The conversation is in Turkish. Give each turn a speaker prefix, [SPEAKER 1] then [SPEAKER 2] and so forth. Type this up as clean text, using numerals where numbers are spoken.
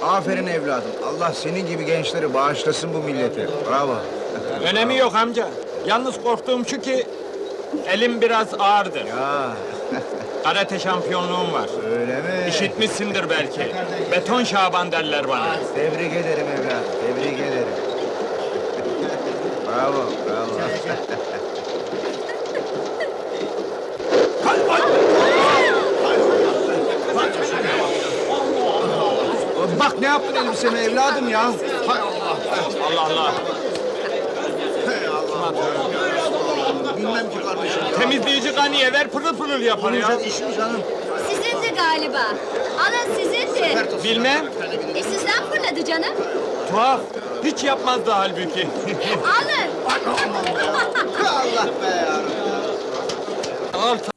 [SPEAKER 1] Aferin evladım. Allah senin gibi gençleri bağışlasın bu millete. Bravo.
[SPEAKER 2] Önemi yok amca. Yalnız korktuğum şu ki... ...elim biraz ağırdır.
[SPEAKER 1] Ya
[SPEAKER 2] Karate şampiyonluğum var.
[SPEAKER 1] öyle mi?
[SPEAKER 2] İşitmişsindir belki. Beton Şaban derler bana.
[SPEAKER 1] Tebrik ederim evladım. Tebrik ederim. Bravo, bravo. Bak ne yaptın elbiseme evladım ya. Hay Allah.
[SPEAKER 2] Allah Allah.
[SPEAKER 1] Bilmem ki kardeşim ya.
[SPEAKER 2] Temizleyici kaniye ver pırıl pırıl yapar ya.
[SPEAKER 1] Güzel iş mi canım?
[SPEAKER 3] Sizindi galiba. Alın sizindi.
[SPEAKER 2] Bilmem.
[SPEAKER 3] Sizden fırladı canım.
[SPEAKER 2] Tuhaf. Hiç yapmazdı halbuki.
[SPEAKER 3] Alın.
[SPEAKER 1] Allah be ya.
[SPEAKER 2] Al